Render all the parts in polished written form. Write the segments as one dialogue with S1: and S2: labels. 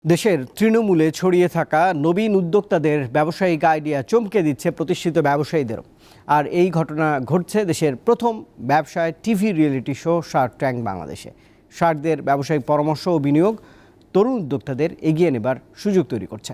S1: দেশের তৃণমূলে ছড়িয়ে থাকা নবীন উদ্যোক্তাদের ব্যবসায়িক আইডিয়া চমকে দিচ্ছে প্রতিষ্ঠিত ব্যবসায়ীদেরও। আর এই ঘটনা ঘটছে দেশের প্রথম ব্যবসায় TV reality show shark tank বাংলাদেশে। শার্কদের ব্যবসায়িক পরামর্শ ও বিনিয়োগ তরুণ উদ্যোক্তাদের এগিয়ে নেবার সুযোগ তৈরি করছে।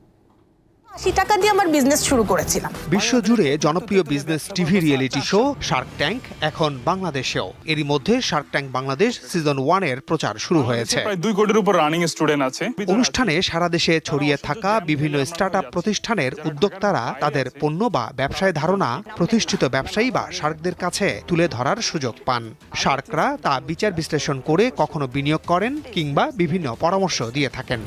S2: 80 টাকা দিয়ে আমার বিজনেস শুরু করেছিলাম।
S3: বিশ্বজুড়ে জনপ্রিয় business TV reality show shark tank এখন বাংলাদেশেও। এরই মধ্যে শার্ক ট্যাঙ্ক বাংলাদেশ সিজন 1 এর প্রচার শুরু হয়েছে।
S4: প্রায় 2 কোটির উপর রানিং স্টুডেন্ট আছে।
S3: অনুষ্ঠানে সারা দেশে ছড়িয়ে থাকা বিভিন্ন স্টার্টআপ প্রতিষ্ঠানের উদ্যোক্তারা তাদের পণ্য বা ব্যবসায় ধারণা প্রতিষ্ঠিত ব্যবসায়ী বা শার্কদের কাছে তুলে ধরার সুযোগ পান। শার্করা তা বিচার বিশ্লেষণ করে কখনো বিনিয়োগ করেন কিংবা বিভিন্ন পরামর্শ দিয়ে থাকেন।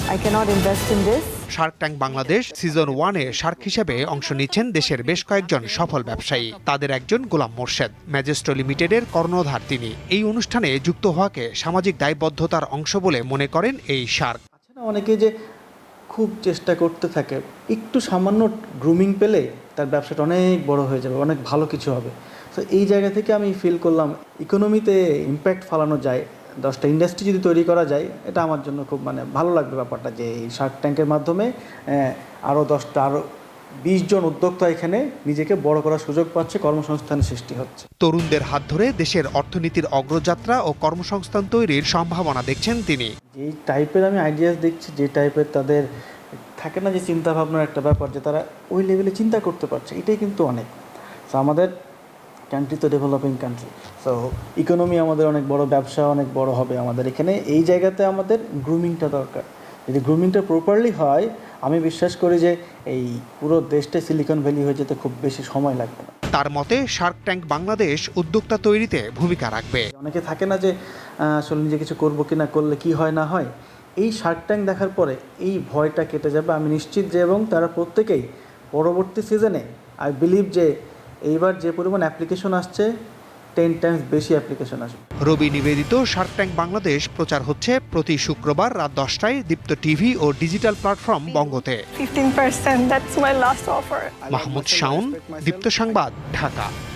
S3: শার্ক ট্যাঙ্ক বাংলাদেশ সিজন 1 এ শার্ক হিসেবে অংশ নিচ্ছেন দেশের বেশ কয়েকজন সফল ব্যবসায়ী। তাদের একজন গোলাম মোর্শেদ, ম্যাজেস্টো লিমিটেডের কর্ণধার তিনি। এই অনুষ্ঠানে যুক্ত হওয়াকে সামাজিক দায়বদ্ধতার অংশ বলে মনে করেন এই শার্ক।
S5: অনেকে যে খুব চেষ্টা করতে থাকে, একটু সামান্য গ্রুমিং পেলে তার ব্যবসাটা অনেক বড় হয়ে যাবে, অনেক ভালো কিছু হবে। তো এই জায়গা থেকে আমি ফিল করলাম ইকোনমিতে ইম্প্যাক্ট ফেলানো যায়, 10টা ইন্ডাস্ট্রি যদি তৈরি করা যায়, এটা আমার জন্য খুব ভালো লাগবে ব্যাপারটা, যে এই শার্ক ট্যাঙ্কের মাধ্যমে আরও 20 জন উদ্যোক্তা এখানে নিজেকে বড় করার সুযোগ পাচ্ছে, কর্মসংস্থানের সৃষ্টি হচ্ছে।
S3: তরুণদের হাত ধরে দেশের অর্থনীতির অগ্রযাত্রা ও কর্মসংস্থান তৈরির সম্ভাবনা দেখছেন তিনি।
S5: যেই টাইপের আমি আইডিয়াস দেখছি, যে টাইপের তাদের থাকে না যে চিন্তা ভাবনার একটা ব্যাপার, যে তারা ওই লেভেলে চিন্তা করতে পারছে, এটাই কিন্তু অনেক। তো আমাদের কান্ট্রি তো ডেভেলপিং কান্ট্রি, সো ইকোনমি আমাদের অনেক বড়, ব্যবসা অনেক বড় হবে আমাদের এখানে। এই জায়গাতে আমাদের গ্রুমিংটা দরকার। যদি গ্রুমিংটা প্রপারলি হয়, আমি বিশ্বাস করি যে এই পুরো দেশটা সিলিকন ভ্যালি হয়ে যেতে খুব বেশি সময় লাগবে না।
S3: তার মতে শার্ক ট্যাঙ্ক বাংলাদেশ উদ্যোক্তা তৈরিতে ভূমিকা রাখবে।
S5: অনেকে থাকে না যে আসলে নিজে কিছু করবো কি না, করলে কি হয় না হয়। এই শার্ক ট্যাঙ্ক দেখার পরে এই ভয়টা কেটে যাবে, আমি নিশ্চিত যে, এবং তারা প্রত্যেকেই পরবর্তী সিজনে আই বিলিভ যে এইবার যে পরিমাণ অ্যাপ্লিকেশন আসছে, 10 টাইমস বেশি অ্যাপ্লিকেশন আসবে।
S3: রবি নিবেদিত শার্ক ট্যাঙ্ক বাংলাদেশ প্রচার হচ্ছে প্রতি শুক্রবার রাত 10টায় দীপ্ত টিভি ও ডিজিটাল প্ল্যাটফর্ম বঙ্গতে।
S2: 15%, that's my last offer.
S3: Mahmud Shaon, Deepto সংবাদ, ঢাকা।